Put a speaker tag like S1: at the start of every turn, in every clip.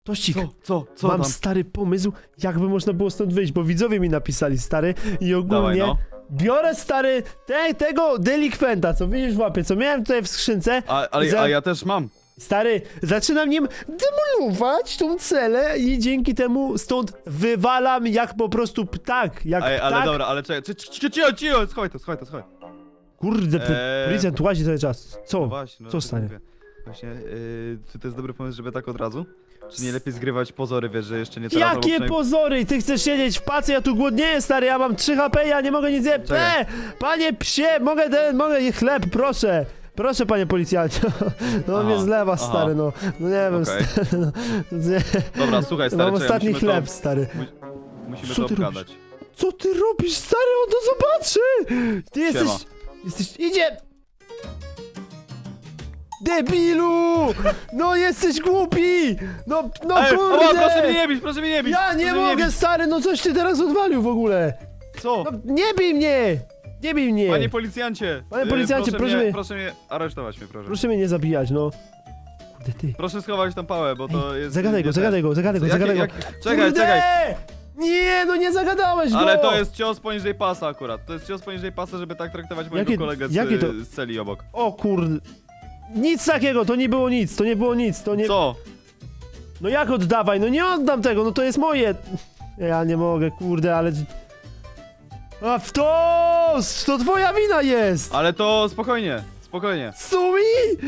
S1: Tościk,
S2: Co
S1: mam
S2: tam?
S1: stary pomysł, jakby można było stąd wyjść, bo widzowie mi napisali, stary, i ogólnie
S2: Dawaj, no.
S1: biorę, stary, tego delikwenta, co widzisz w łapie, co miałem tutaj w skrzynce.
S2: A ja też mam.
S1: Stary, zaczynam nim demolować tą celę i dzięki temu stąd wywalam jak po prostu ptak, jak
S2: Ale
S1: ptak.
S2: dobra, ale czekaj, cicho, schowaj to.
S1: Kurde, ten policjant łazi cały czas. Co?
S2: No właśnie,
S1: Co stanie?
S2: Właśnie, czy to jest dobry pomysł, żeby tak od razu? Czy nie lepiej zgrywać pozory, wiesz, że jeszcze nie teraz, albo
S1: Jakie
S2: przynajmniej...
S1: pozory? Ty chcesz siedzieć w pacy, ja tu głodnieję, stary, ja mam 3 HP, ja nie mogę nic zjeść.
S2: Czekaj.
S1: Panie psie, mogę chleb, proszę. Proszę, panie policjancie. No on
S2: Aha,
S1: mnie zlewa,
S2: aha.
S1: stary, no. No nie wiem,
S2: Okej.
S1: stary, no. Nie.
S2: Dobra, słuchaj, stary,
S1: Mam
S2: czekaj,
S1: ostatni
S2: musimy
S1: chleb,
S2: to,
S1: stary.
S2: musimy
S1: Co
S2: to
S1: ty robisz?
S2: obgadać.
S1: Co ty robisz, stary? On to zobaczy! Ty jesteś...
S2: Siema.
S1: Idzie! Debilu! No jesteś głupi! No kurde!
S2: Oła, proszę mnie nie bić, proszę mnie nie bić!
S1: Ja nie
S2: proszę mnie
S1: mogę,
S2: bić.
S1: stary, no coś ty teraz odwalił w ogóle!
S2: Co?
S1: No nie bij mnie! Nie bij mnie!
S2: Panie policjancie!
S1: Panie policjancie,
S2: proszę mnie aresztować mnie, proszę.
S1: Proszę mnie nie zabijać, no. Kurde, ty.
S2: Proszę schować tam pałę, bo to jest...
S1: Zagadaj go,
S2: nie
S1: zagadaj
S2: ten.
S1: go, zagadaj go,
S2: Jakie-
S1: zagadaj go.
S2: jak- Czekaj,
S1: Kurde!
S2: czekaj.
S1: Nie, no nie zagadałeś go!
S2: Ale to jest cios poniżej pasa akurat. To jest cios poniżej pasa, żeby tak traktować mojego kolegę
S1: jakie to-
S2: z celi obok.
S1: O kurde. Nic takiego, to nie było nic, to nie było nic, to nie...
S2: Co?
S1: No jak oddawaj, no nie oddam tego, no to jest moje. Ja nie mogę, kurde, ale... A w to twoja wina jest!
S2: Ale to spokojnie, spokojnie.
S1: Sumi!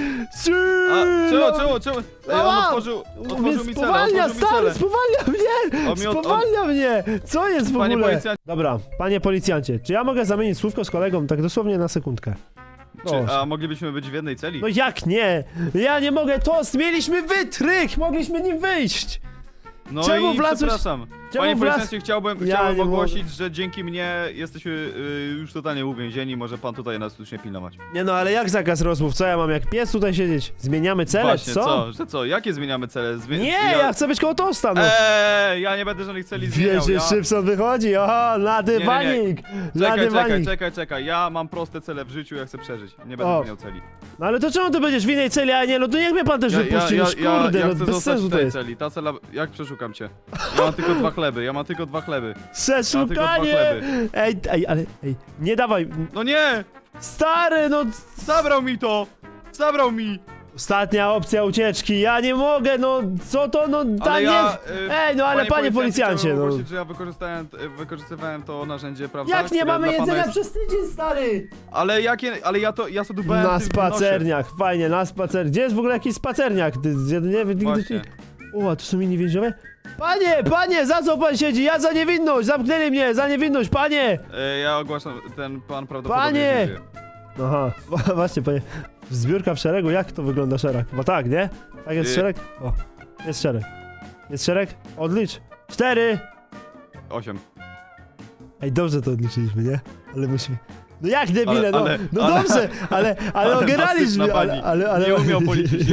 S2: A, czemu? Ej, on otworzył mi celę,
S1: Spowalnia,
S2: otworzył mi
S1: stary,
S2: celę.
S1: spowalnia mnie!
S2: On mi od-
S1: Spowalnia mnie! Co jest w
S2: Panie
S1: ogóle?
S2: policjancie.
S1: Dobra, panie policjancie, czy ja mogę zamienić słówko z kolegą tak dosłownie na sekundkę?
S2: A moglibyśmy być w jednej celi?
S1: No jak nie? Ja nie mogę, mieliśmy wytrych, mogliśmy nim wyjść!
S2: No
S1: czemu
S2: i
S1: wlazłeś-
S2: przepraszam.
S1: czemu
S2: Panie
S1: wlaz-
S2: policjancie, chciałbym
S1: Ja nie
S2: ogłosić, że dzięki mnie jesteśmy już totalnie uwięzieni. Może pan tutaj nas już nie pilnować.
S1: Nie no, ale jak zakaz rozmów? Co ja mam jak pies tutaj siedzieć? Zmieniamy cele,
S2: Właśnie,
S1: co?
S2: Że co? Jakie zmieniamy cele?
S1: Nie, ja chcę być koło tosta, no.
S2: Ja nie będę żadnych celi zmieniał.
S1: Wiesz, że Szybson wychodzi, oho, na dywanik! Na
S2: Czekaj,
S1: dywanik!
S2: czekaj. Ja mam proste cele w życiu, ja chcę przeżyć. Nie będę
S1: O.
S2: zmieniał celi.
S1: No ale to czemu ty będziesz w innej celi, a nie? No to niech mnie pan też wypuści, już kurde,
S2: ja
S1: no
S2: chcę
S1: bez
S2: zostać
S1: sensu
S2: w
S1: to
S2: tej
S1: jest.
S2: celi. Ta cela... Jak przeszukam cię? Ja mam tylko 2 chleby, ja mam tylko 2 chleby.
S1: Przeszukanie!
S2: chleby.
S1: Ale, nie dawaj,
S2: No nie!
S1: stary, no...
S2: Zabrał mi to! Zabrał mi!
S1: Ostatnia opcja ucieczki, ja nie mogę, no, co to, no,
S2: Ale
S1: nie...
S2: ja,
S1: Ej, no ale panie policjancie,
S2: chciałem
S1: no...
S2: ogłosić, że ja wykorzystywałem to narzędzie, prawda?
S1: Jak nie
S2: które
S1: mamy
S2: dla pana
S1: jedzenia
S2: jest-
S1: przez tydzień, stary?
S2: Ale ja sobie dbałem
S1: Na
S2: w tym w nosie.
S1: spacerniach, fajnie, na spacer. Gdzie jest w ogóle jakiś spacerniak? Nie wiem, nigdy...
S2: Właśnie.
S1: O, a tu są inni więźniowie? Panie, za co pan siedzi? Ja za niewinność, zamknęli mnie, za niewinność, panie!
S2: Ja ogłaszam, ten pan prawdopodobnie
S1: Panie!
S2: nie żyje.
S1: Aha, właśnie, panie. Zbiórka w szeregu, jak to wygląda szereg? Bo tak, nie? Tak jest szereg? O, jest szereg. Jest szereg? Odlicz. 4!
S2: 8.
S1: Ej, dobrze to odliczyliśmy, nie? Ale musimy... No jak debile, no dobrze, ale ogeraliśmy,
S2: nasypna pani.
S1: ale...
S2: Nie umiał policzyć.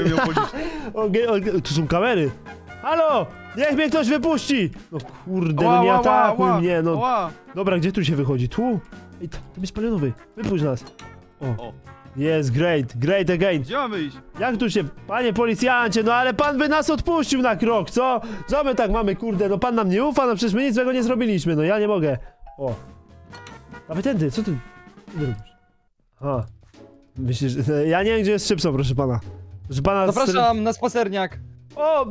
S1: Tu są kamery. Halo! Niech mnie ktoś wypuści! No kurde,
S2: Ła,
S1: no nie
S2: ła,
S1: atakuj
S2: ła,
S1: mnie, no.
S2: ła.
S1: Dobra, gdzie tu się wychodzi? Tu? Ej, tam jest palionowy. Wypuść nas.
S2: O.
S1: Jest, great again.
S2: Gdzie mamy iść?
S1: Jak tu się... Panie policjancie, no ale pan by nas odpuścił na krok, co? Co my tak mamy, kurde, no pan nam nie ufa, no przecież my nic złego nie zrobiliśmy, no ja nie mogę. O. Dawaj tędy, co ty robisz? Aha. Myślisz, że... Ja nie wiem, gdzie jest Szybson, proszę pana. Proszę pana...
S3: Zapraszam na spacerniak.
S1: O!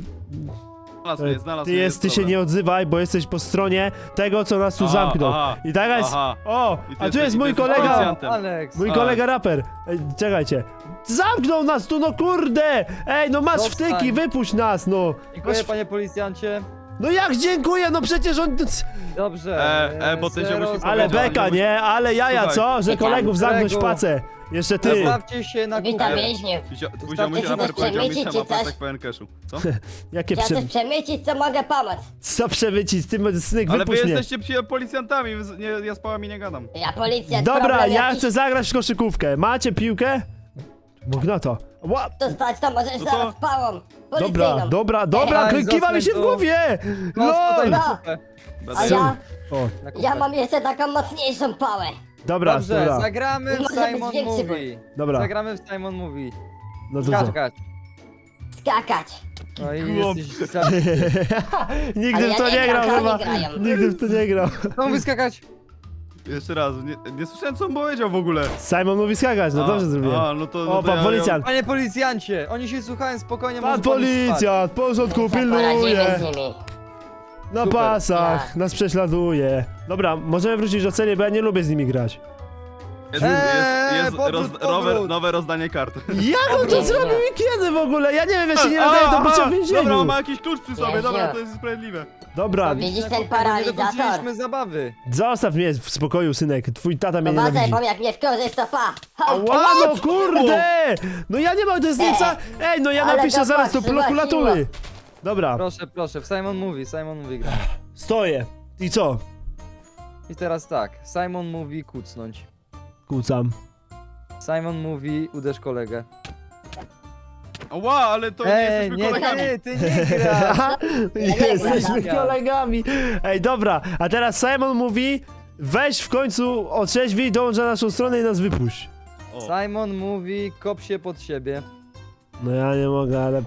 S2: Znalazł
S1: Ty się nie odzywaj, bo jesteś po stronie tego, co nas tu zamknął. I tak jest...
S2: Aha.
S1: O!
S2: I ty
S1: A tu jest
S2: jesteś
S1: mój kolega...
S2: policjantem.
S3: Alex.
S1: Mój kolega raper. Ej, czekajcie. Zamknął nas tu, no kurde! Ej, no masz
S3: Zostań.
S1: wtyki, wypuść nas, no!
S3: Dziękuję,
S1: Masz...
S3: panie policjancie.
S1: No jak dziękuję, no przecież on...
S3: Dobrze.
S2: bo ty się
S3: zero
S2: musisz
S1: Ale
S2: powiedział,
S1: beka,
S2: nie
S1: nie? Ale jaja,
S2: Słuchaj.
S1: co? Że
S4: Witam.
S1: kolegów zamknąć w
S3: Kolego.
S1: pacę. Jeszcze ty.
S3: Zostawcie się na
S4: Witam
S3: kupę.
S4: więźniów.
S2: Powiedział mi się
S4: Chcecie
S2: raper,
S4: coś
S2: powiedział mi
S4: przemycić,
S2: się
S4: czy
S2: ma
S4: coś?
S2: tak pełen cashu. Co?
S1: Jakie
S4: Chciał coś przemycić, co mogę pomóc.
S1: Co przemycić? Ty, snyk,
S2: Ale wy
S1: wypuść mnie.
S2: jesteście policjantami, ja z pałami nie gadam.
S4: Ja policja,
S1: Dobra,
S4: problem
S1: ja
S4: jakiś,
S1: chcę zagrać w koszykówkę. Macie piłkę? Magnata. Ła.
S4: to stać, to możesz
S2: No to-
S4: zaraz pałą policyjną.
S1: Dobra,
S3: Ej,
S1: kiwa mi się w
S3: zostań tu.
S1: głowie!
S3: No, tutaj
S1: LOL!
S3: na
S4: No.
S3: kupę.
S4: A ja,
S1: O,
S3: Na kupę.
S4: ja mam jeszcze taką mocniejszą pałę.
S1: dobra,
S3: Dobrze,
S1: dobra,
S3: zagramy w
S4: Może być
S3: Simon
S4: większy
S3: Movie.
S1: dobra,
S3: Zagramy w Simon Movie.
S1: no to
S3: Skacz,
S1: co?
S3: skacz.
S4: skakać.
S3: No i
S2: Chłop.
S3: jesteś za...
S1: Nigdy
S4: Ale
S1: w to
S4: ja
S1: nie
S4: nie
S1: grał
S4: gram, to
S1: chyba.
S4: oni grają.
S1: Nigdy w to nie grał.
S3: Mam wyskakać.
S2: Jeszcze raz, nie słyszałem co on powiedział w ogóle.
S1: Simon mówi skakać, no dobrze zrobiłem.
S2: No to,
S1: O, pan policjant.
S3: Panie policjancie, oni się słuchają spokojnie,
S1: Pan
S3: może pan spać.
S1: policjant, w porządku,
S4: Poradzimy
S1: pilnuje.
S4: z nimi.
S1: Na
S3: Super.
S1: pasach,
S4: Tak.
S1: nas prześladuje. Dobra, możemy wrócić do celi, bo ja nie lubię z nimi grać.
S2: Jest
S3: powrót.
S2: nowe rozdanie kart.
S1: Jak on to
S4: Nie,
S1: zrobił
S4: nie.
S1: i kiedy w ogóle? Ja nie wiem, ja się nie nadaję do bycia w
S2: Dobra,
S1: więzieniu.
S2: on ma jakiś klucz przy sobie,
S4: Nie,
S2: dobra,
S4: nie.
S2: to jest sprawiedliwe.
S1: Dobra,
S4: Widzisz ten
S3: Nie
S4: paralizator?
S3: dokończyliśmy zabawy.
S1: zostaw mnie w spokoju, synek. Twój tata mnie
S4: Uważaj,
S1: nienawidzi.
S4: bo jak mnie wkurzysz, to pa!
S1: Ała, no kurde! No ja nie mogę, to jest zdjęcia... Ej, no ja
S4: Ale
S1: napiszę
S4: to
S1: zaraz do
S4: patrz,
S1: prokuratury. Dobra,
S3: Proszę, w Simon mówi gra.
S1: stoję. I co?
S3: I teraz tak, Simon mówi kucnąć.
S1: Kłócam.
S3: Simon mówi uderz kolegę.
S2: Ła, ale to nie jesteśmy kolegami.
S3: ty nie gra.
S1: Jesteśmy
S3: gram.
S1: kolegami. Ej, dobra, a teraz Simon mówi... Weź w końcu otrzeźwij, dołącz na naszą stronę i nas wypuść.
S2: O.
S3: Simon mówi kop się pod siebie.
S1: No ja nie mogę, ale...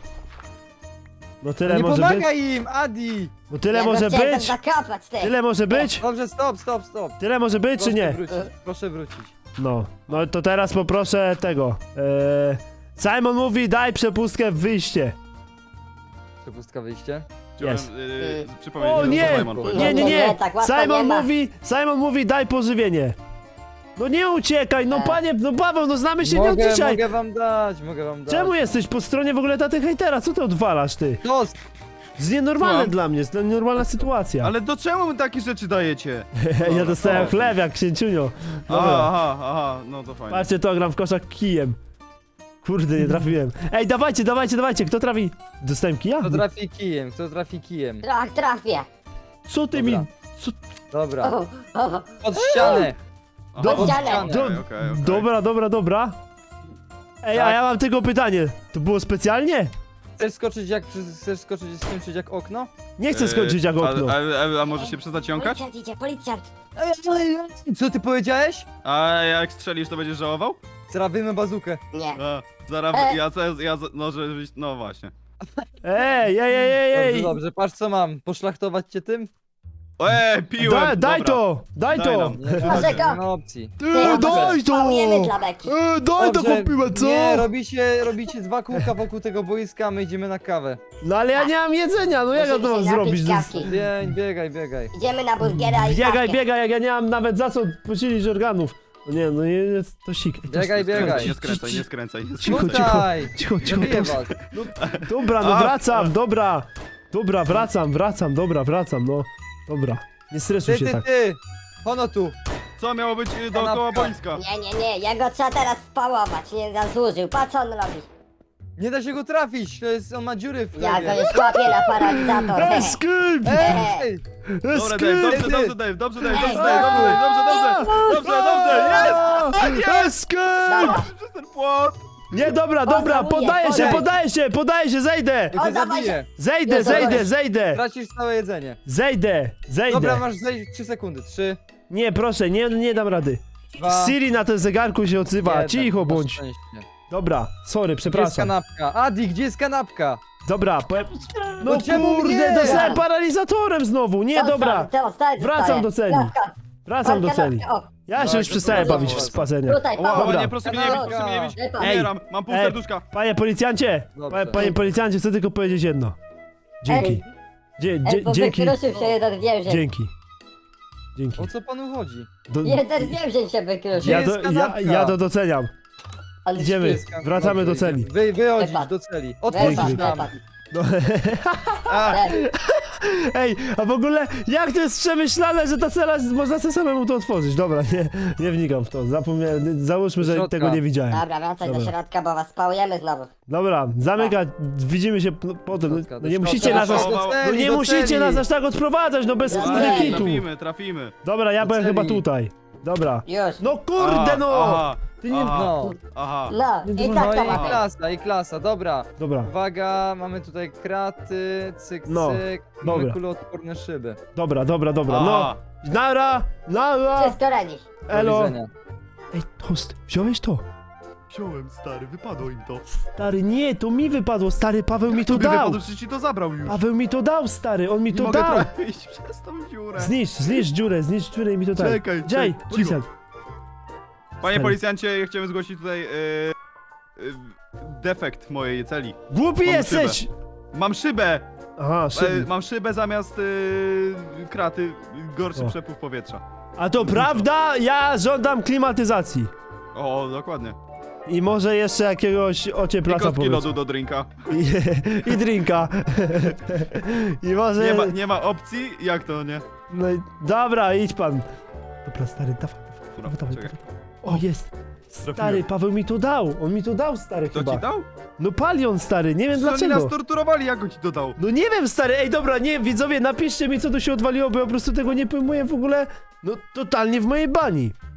S1: No tyle
S3: Nie
S1: może być.
S3: pomagaj im, Adi!
S1: No tyle
S4: Ja go
S1: może
S4: chciałem
S1: być.
S4: tam zakopać, ty!
S1: Tyle może być.
S3: Dobrze, stop.
S1: Tyle może być, czy nie?
S3: Proszę wrócić.
S1: No, no to teraz poproszę tego. Simon mówi, daj przepustkę w wyjście.
S3: Przepustka wyjście.
S2: Chciałem
S1: Jest.
S2: przypomnieć,
S1: O
S2: że
S1: nie!
S2: to Simon powiedział.
S1: Nie, nie, nie.
S4: tak łatwo nie ma.
S1: Simon mówi, daj pożywienie. No nie uciekaj, no panie, no Paweł, no znamy się nie od dzisiaj.
S3: Mogę wam dać.
S1: Czemu jesteś po stronie w ogóle taty hejtera? Co ty odwalasz, ty?
S3: To
S1: To jest nienormalne
S2: Słucham?
S1: dla mnie, jest nienormalna sytuacja.
S2: Ale do czemu my takie rzeczy dajecie?
S1: Ja dostałem
S2: o.
S1: chleb jak księciunio. Dobra.
S2: Aha, no to fajnie.
S1: Patrzcie to, gram w koszak kijem. Kurde, nie trafiłem. Ej, dawajcie, kto trafi? Dostałem kija?
S3: Kto trafi kijem.
S4: Trafię!
S1: Co ty
S3: Dobra.
S1: mi... Co...
S3: Dobra,
S4: O, o,
S3: pod ścianę.
S2: Aha,
S4: Pod ścianę.
S1: Do...
S2: okej.
S1: Dobra. Ej, a
S3: Tak.
S1: ja mam tylko pytanie. To było specjalnie?
S3: Chcesz skoczyć i skończyć jak okno?
S1: Nie chcę skończyć jak okno.
S2: A może się przestać jąkać?
S4: Policjant idzie, policjant!
S3: Co ty powiedziałeś?
S2: A jak strzelisz, to będziesz żałował?
S3: Zrabimy bazukę.
S4: Nie.
S2: A, zaraz, no żebyś, no właśnie.
S1: Ej.
S3: Dobrze, patrz co mam. Poszlachtować cię tym?
S2: Piłem!
S1: Daj
S2: Dobra.
S1: to! Daj
S2: Daj
S1: to!
S2: nam.
S4: Proszę go.
S3: Nie ma opcji.
S1: Daj to!
S4: Spałujemy dla beki.
S1: Daj to
S3: Dobrze,
S1: kupiłem, co?
S3: Nie, robicie 2 kółka wokół tego boiska, my idziemy na kawę.
S1: No ale ja nie mam jedzenia, no jak ja to mam
S4: Musimy się napić
S1: zrobić?
S4: kawki.
S3: Biegaj.
S4: Idziemy na burgera i kawkę.
S1: Biegaj, jak ja nie mam nawet za co posilić organów. No nie, no nie, to sik.
S3: Biegaj.
S2: Nie skręcaj.
S1: Cicho.
S3: Tutaj!
S1: Cicho,
S3: Zabiję
S1: to...
S3: was.
S1: Dobra, no
S2: A,
S1: wracam, dobra. Dobra, wracam, no. Dobra, nie stresuj się tak.
S3: Ty! Hono tu!
S2: Co miało być dookoła
S3: Kanapka.
S2: boiska?
S4: Nie, ja go trzeba teraz spałować, nie zasłużył. Patrz co on robi.
S3: Nie da się go trafić, on ma dziury w
S4: Ja go
S3: chlebie.
S4: już łapię na paralizator.
S1: Escape!
S3: Ej!
S2: Dobra,
S1: Escape!
S2: dobrze,
S3: Ty.
S2: dobrze.
S1: Escape!
S2: Przez ten płot!
S1: Nie, dobra, podaję się, zejdę!
S3: Ja
S4: O,
S3: cię
S4: dawaj
S3: zabiję.
S1: Zejdę!
S3: Tracisz całe jedzenie.
S1: Zejdę!
S3: Dobra, masz zejść 3 sekundy. 3,
S1: Nie, proszę, nie dam rady.
S3: 2,
S1: Siri na tym zegarku się odzywa, cicho bądź. Dobra, sorry,
S3: Gdzie jest
S1: przepraszam.
S3: kanapka? Adi, gdzie jest kanapka?
S1: Dobra, no
S3: No czemu
S1: kurde,
S3: nie?
S1: dostałem paralizatorem znowu, nie, dobra. Wracam do celi. Wracam do celi. Ja się
S3: No,
S1: już
S3: to
S1: przestałem
S3: dobra,
S1: bawić w
S3: dobra.
S1: spasenie.
S4: Tutaj,
S2: Ła,
S1: Dobra.
S2: nie, proszę mnie nie bić, proszę mnie nie bić.
S4: Ej.
S2: Umieram, mam pół
S1: Ej.
S2: serduszka.
S1: Panie policjancie,
S3: Dobrze.
S1: panie policjancie, chcę tylko powiedzieć jedno. Dzięki. Dzięki.
S4: Wykruszył się jeden więzień.
S1: Dzięki.
S3: O co panu chodzi?
S1: Do,
S4: Więzień się wykruszył.
S1: ja,
S3: jest kanapka?
S1: ja to doceniam.
S4: Ale
S1: Idziemy,
S3: Jest kanapka.
S1: wracamy do
S3: Dobrze,
S1: celi.
S3: Wychodzisz
S4: Wypad.
S3: do celi.
S4: Wypad,
S3: Otworzysz nam.
S4: wypad.
S1: No.
S2: A,
S1: Ej, a w ogóle jak to jest przemyślane, że ta cela, można sobie samemu to otworzyć. Dobra, nie wnikam w to. Zapomniałem, załóżmy, że
S3: Środka.
S1: tego nie widziałem.
S4: Dobra, wracaj do
S1: Dobra.
S4: środka, bo was spałujemy znowu.
S1: Dobra, zamykać, widzimy się potem.
S3: Środka,
S1: No
S3: do
S1: nie
S3: środka.
S1: musicie nas aż,
S2: Do
S1: no
S3: celi,
S1: nie
S3: do
S1: musicie
S3: celi.
S1: nas aż tak odprowadzać, no bez
S4: Do
S1: kurde
S4: celi.
S1: kitu.
S2: trafimy.
S1: Dobra, ja
S3: Do
S1: byłem chyba
S3: celi.
S1: tutaj. Dobra.
S4: Już.
S1: No kurde no!
S2: Aha,
S1: Ty nie...
S3: No,
S2: aha.
S4: No, i
S1: No
S4: tak
S3: no
S4: to
S3: i
S4: ma być.
S3: klasa, dobra.
S1: Dobra,
S3: Uwaga, mamy tutaj kraty, cyk,
S1: No,
S3: mamy
S1: dobra.
S3: kuloodporne szyby.
S1: dobra, no.
S2: Aha.
S1: Nara!
S4: Wszystko ready.
S3: Do
S1: Elo!
S3: widzenia.
S1: Ej, host, wziąłeś to?
S2: Wziąłem, stary, wypadło im to.
S1: Stary, nie, to mi wypadło, stary, Paweł mi to
S2: Tobie
S1: dał.
S2: wypadło, przecież ci to zabrał już.
S1: Paweł mi to dał, stary, on mi
S2: Nie
S1: to
S2: mogę
S1: dał.
S2: trafić przez tą dziurę.
S1: Zniszcz dziurę i mi to daj.
S2: Czekaj,
S1: Dziaj,
S2: czekaj,
S1: policjant.
S2: Panie
S1: Stary.
S2: policjancie, ja chciałem zgłosić tutaj defekt mojej celi.
S1: Głupi
S2: Mam
S1: jesteś!
S2: Mam szybę!
S1: Aha, szybko.
S2: Mam szybę zamiast kraty, gorszy
S1: O.
S2: przepływ powietrza.
S1: A to prawda? Ja żądam klimatyzacji.
S2: O, dokładnie.
S1: I może jeszcze jakiegoś
S2: I
S1: ocieplacza
S2: kostki
S1: powiedzmy.
S2: lodu do drinka.
S1: I drinka. I może...
S2: Nie ma opcji? Jak to nie?
S1: No i dobra, idź pan. Dobra, stary, dawaj,
S2: Dobra,
S1: dawaj,
S2: czekaj.
S1: dawaj. O, jest. Stary,
S2: Trafiłem.
S1: Paweł mi to dał. On mi to dał, stary,
S2: Kto
S1: chyba.
S2: ci dał?
S1: No Palion, stary, nie wiem
S2: Przecież oni
S1: dlaczego.
S2: nas torturowali, jak on ci to dał?
S1: No nie wiem, stary, ej, dobra, nie, widzowie, napiszcie mi, co tu się odwaliło, bo ja po prostu tego nie pojmuję w ogóle, no, totalnie w mojej bani.